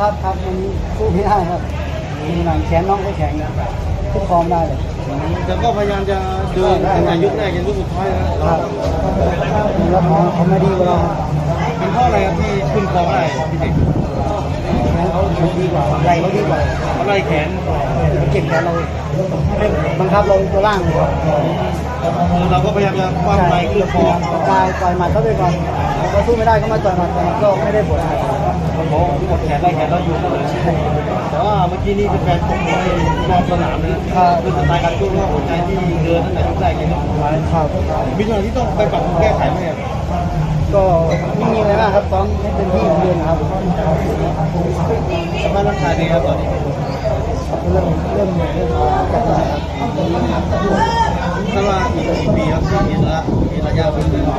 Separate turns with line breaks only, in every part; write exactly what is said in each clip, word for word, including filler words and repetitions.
ครับครับมันสู้ไม่ได้ครับมีหนังแขนน้องก็แข็งทุกฟอร์มได้เลย
แต่ก็พยายามจะเดินตั้งแต่ยุคแรกจนยุคสุดท้ายนะครับ
แล้วเขาเขาไม่ดีกว่าเรา
เป็นเพราะอะไรครับที่ขึ้นคอได้พี่เด็ก
แขนเขาดีกว่าใหญ่เขาดีกว่า
เขาไล่แขน
เก็บแขนเราบังคับเราตัวล่างเลย
เราก็พยายามจะคว้าไปขึ้นคอก
ายต่อยหมัดเขาไปก่อนเราสู้ไม่ได้ก็มาต่อยหมัดแต่ก็ไม่ได้ผลอะไร
โอ้โหหมดแขนไล่แขนเราอยู่เลยแต่ว่าเมื่อกี้นี้เป็นแฟนผมในรอบสนามนะคือสไตล์การสู้ว่าหัวใจที่เดินตั้งแต่ยุคแรกจนยุคสุดท้าย
ครับ
มีอะไรที่ต้องไปปรับแก้ไขไหมครับ
ก็ไม่มีอะไรมากครับต้องให้เต็มที่เดินครับ
สภาพร่างกายเป็นครับตอนนี้
เริ่มเริ่มเริ่มจัดการ
ถ้าว่าอีกกี่ปีครับมีระมีระยะเป็นเลย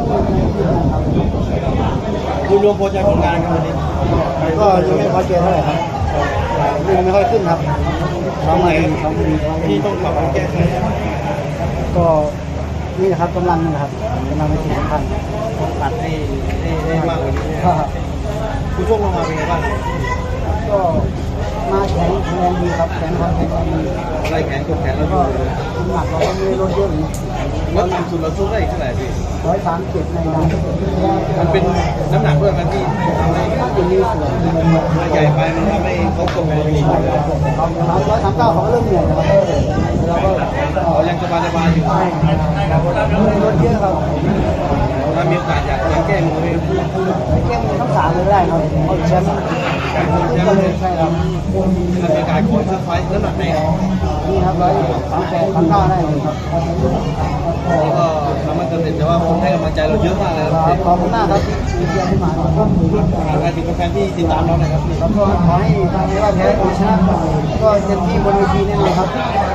คุณรวมโปรเจกต์ผลงานกันวันนี้
ก็ยังไม่พอใจเท่าไหร่ครับยังไม่ค่อยขึ้นครับ
ทำไมที่ต้องปรับแก้ไข
ก็นี่นะครับกำลังนะครับกำลังเป็นสิ่งสำคัญ
ตัดให้ให้มากกว่านี้คุณช่วงลงมาเป็นไงบ้าง
ก็มาแข็งแรงดีครับแข็งครับแข็งดี
อะไรแข็งกดแข็งแล้วก็
น้ำหนักเราก็ไม่ได้ลดเยอะ
ลดต่ำสุดเราสู้ได้เท่าไหร่พี่
ร้อยสามเจ็ดในนั้น
มันเป็นน้ำหนักด้วยมันที่ทำให้
เป็นนิ้วส่วน
ใหญ่ไปมันทำให้เขากดแรง
สามร้อยสามเก้าเขาเริ่มเหนื่อยแล้วเราก็
เขายังสบายสบายอยู่
ลดเยอะครับ
ถ้ามีโอกาสอยากจะแก้มือ
แก้มือทั้งสามเลยได้ครับเอาแชมป์ก็เลยใช่ครับ
ถ้ามีการขอสักไฟน้ำหนักไหน
นี่ครับร้อยสามแปดสามเก้าได้เลยครับ
นี่ก็ทำมันสำเร็จแต่ว่าคนให้กำลังใจเราเยอะมากเลยครับ
ขอบคุณมากครับที่เชียร์ที่มาครับ
ใครถึงแฟนที่ติดตามเราหน่อยครับ
แล้วก็ขอให้ทางนี้ว่าแพ้หรือชนะก็เต็มที่บนเวทีแน่นอนครับ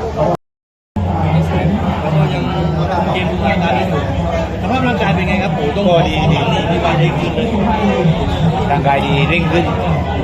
แล้วก็ยังเกมร่างกายได้อยู่สภาพร่างกายเป็นไงครับโอ้ต้อง
ก็ดีดี
ที่ว่าเร่งขึ้นเลย
ร่างกายดีเร่งขึ้น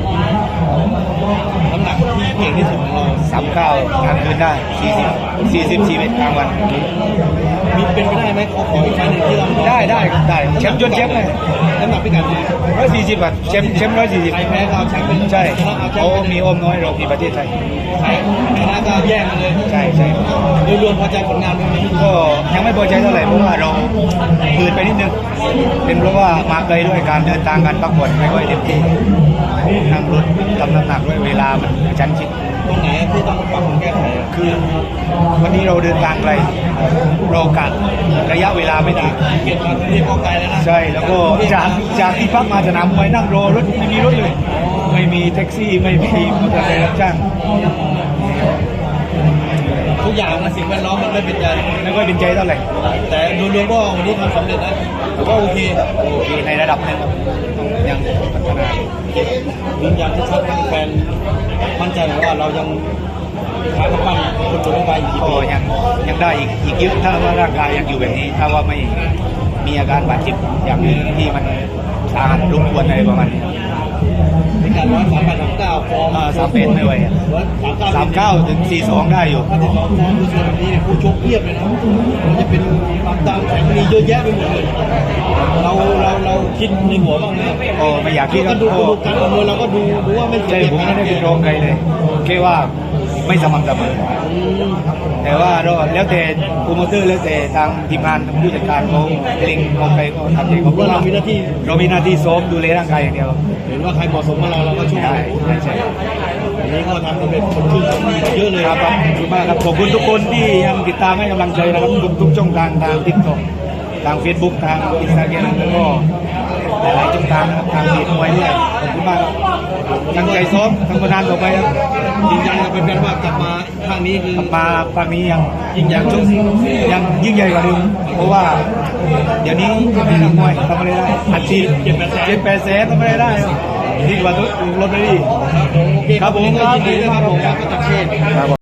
น้ำหนักที่เก่งที่สุดของเรา
สามเก้ากลางคืนได้สี่สิบสี่สิบสี่เมตรกลางวัน
มีเป็นไปได้ไหมขอขออีกครั้งหนึ่งที่เรา
ได้ได้ได้แชมป์จนแชมป์เลย
น้ำหนักพิกัดไหน
ร้อยสี่สิบอ่ะแชมป์แชมป์ร้อยสี่สิบ
ใครแพ้เราแชมป์เป็น
ใช่เขามีโอมน้อยเรามีประเทศไทย
ใครชนะก็แย่งกันเลย
ใช่ใช่
โดยรวมพอใจผลงานวันนี้
ก็ยังไม่พอใจเท่าไหร่เพราะว่าเราฝืนไปนิดนึงเป็นเพราะว่ามาไกลด้วยการเดินทางการพักผ่อนไม่ค่อยเต็มที่นั่งรถทำน้ำหนักด้วยเวลามันชันชิด
ตรงไหนที่ต้องปรับปรุงแก้ไข
คือวันนี้เราเดินทางไกลเรากะระยะเวลาไม่ได้
เก็บมาที่พอไกลแล้วนะ
ใช่แล้วก็จากจากที่พักมาสนามมวยนั่งรอรถไม่มีรถเลยไม่มีแท็กซี่ไม่มีมอเตอร์ไซค์รับจ้าง
ทุกอย่างมันสิ่งแวดล้อมมันไม่เป็นใจ
ไม่ค่อยเป็นใจเท่าไหร่
แต่โดยรวมก็วันนี้ทำสำเร็จนะแต่ว่าโอเค
โอเคในระดับนึงยังพัฒนา
ยืนยันที่ชัดแฟนมั่นใจว่าเรายังขายกระปั้นคนตัวไปอีก
ก็ยังยังได้อีกอีกเยอะถ้าว่าร่างกายยังอยู่แบบนี้ถ้าว่าไม่มีอาการบาดเจ็บอย่างอื่นที่มันสาหัสรบกวนอะไรประมาณนี้
ในการร้อยสามแปดสามเก้าฟอร์ม
สามเป็นไม่ไหวสามเก้าถึงสี่สองได้อยู่
ถ้าติดต่อฟอร์มดูส่วนนี้ผู้ชกเพียบเลยนะมันจะเป็นความดังแข็งมีเยอะแยะไปหมดเลยเราเราเราคิดในหัวบ้างไหม
โอ้ไม่อยากคิด
ก็ดูดูการประเมินเราก็ดูดูว่าไม่
ใช่ผมไม่ได้ไปโรงใครเลยแค่ว่าไม่สม่ำเสมอแต่ว่าเราแล้วแต่โปรโมเตอร์แล้วแต่ทางทีมงานผู้จัดการเขาเล็งเอาไปก็ทำเอง
เพราะเรามีหน้าที่
เรามีหน้าที่ซ้อมดูแลร่างกายอย่างเดียว
เห็นว่าใครเหมาะสมมาเราเราก็ช่วย
ใช่ใช่
วันนี้ก็ทำสำเร็จคนชื่นชมเยอะเลย
ครับขอบคุณมากครับขอบคุณทุกคนที่ยังติดตามให้กำลังใจนะครับทุกช่องทางทางทิกตอกทางเฟซบุ๊กทางอินสตาแกรมแล้วก็หลายๆช่องทางนะครับทางเพจมวยด้วยขอบคุณมากครับตั้งใจซ้อมทำผลงานต่อไปครับ
ยืนยันกับเป็นแฟนว่ากลับมาครั้งนี้คือก
ลับมาครั้งนี้ยังยิ่งใหญ่ชุดยังยิ่งใหญ่กว่าเดิมเพราะว่าเดี๋ยวนี้นักมวยทำอะไรได้อัดฉีดเจ็ดแปดแสนเจ็ดแปดแสนทำอะไรได้ดีกว่าทุกรถเลยครับผมครับผมครับผมครับประจักษ์เชษ